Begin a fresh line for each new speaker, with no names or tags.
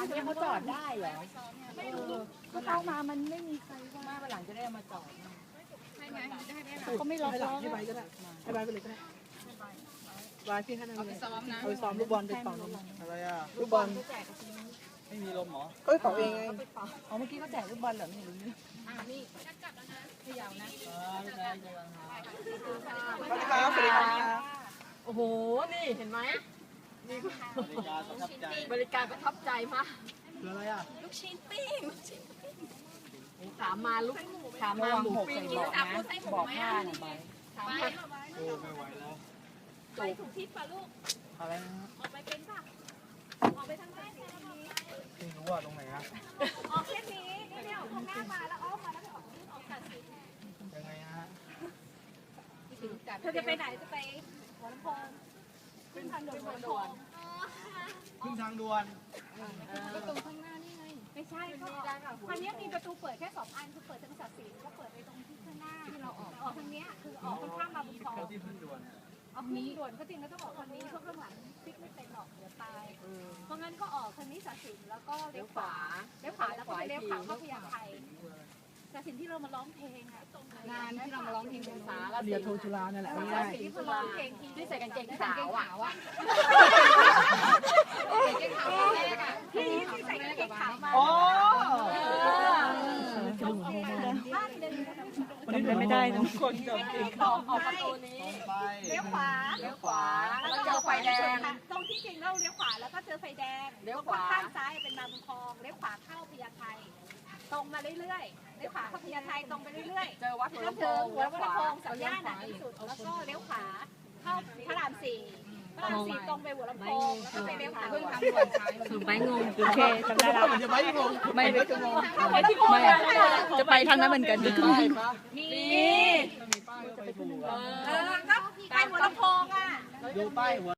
เนี่ยเขาจอดได้เหรอไม่รู้เข้ามามันไม่มีใครว่าวันหลังจะได้มาจอดเขาไม่ล็อกล้อให้ใบก็ได้ให้ใบไปเลยก็ได้ใบพี่ให้นั่นเลยเอาไปซ้อมลูกบอลไปเป่าลมอะไรอ่ะลูกบอลไม่มีลมหรอก็เป่าเองไงอ๋อเมื่อกี้เขาแจกลูกบอลเหรอไม่รู้เนี่ยนี่จับแล้วนะขยาวนะสวัสดีครับสวัสดีครับโอ้โหนี่เห็นไหมบริการประทับใจมากคืออะไรอ่ะลูกชิ้นปิ้งถามมาลูกถามมาหมูปิ้งบอกนะบอกผ้าหน่อยไปถามมาโอ้ไม่ไหวแล้วไปถูกทิศป่ะลูกอะไรนะออกไปเป็นป่ะออกไปทางด้านนี้ไม่รู้ว่าตรงไหนนะออกเส้นนี้นี่เนี่ยออกตรงหน้ามาแล้วอ้อมมาแล้วไปออกตัดสินยังไงฮะเธอจะไปไหนจะไปหัวลำโพงขึ้นทางด่วนขึ้นทางด่วนก็ตรงข้างหน้านี่ไงไม่ใช่เขาคันนี้มีประตูเปิดแค่2 อันคือเปิดทางศักดิ์ศรีก็เปิดไปตรงที่ข้างหน้าที่เราออกทางนี้คือออกข้ามมาบุญคลองที่ขึ้นด่วนเอานี้ด่วนก็จริงแล้วต้องออกคันนี้เพราะข้างหลังพลิกไม่เป็นหรอกเดี๋ยวตายเพราะงั้นก็ออกคันนี้ศักดิ์ศรีแล้วก็เลี้ยวขวาแล้วก็เลี้ยวขวาเข้าพญาไทแต่สิ่งที่เรามาร้องเพลงอะงานที่เรามาร้องเพลงเป็นสาเดียวโทจุฬานั่นแหละสิ่งที่มาร้องเพลงที่ใส่กางเกงขาวอะที่ใส่กางเกงขาวมาโอ้วันนี้ไม่ได้ทุกคนกับเกงขาวออกประตูนี้เลี้ยวขวาแล้วเจอไฟแดงตรงที่จริงเราเลี้ยวขวาแล้วก็เจอไฟแดงเลี้ยวขวาข้างซ้ายเป็นมาบุญคลองเลี้ยวขวาเข้าพญาไทตรงมาเรื่อยๆเลี้ยวขวาเข้าพญาไทตรงไปเรื่อยๆเจอวัดหัวลำโพงสัญญาณหนักที่สุดแล้วก็เลี้ยวขวาเข้าพระราม 4ตรงไปหัวลำโพงแล้วก็ไปเลี้ยวขวาขึ้นทางด่วนซ้ายถึงไปงงโอเคจำได้แล้วจะไปงงไม่จะไปทางนั้นเหมือนกันมีก็ไปหัวลำโพงอ่ะดูป้ายหัว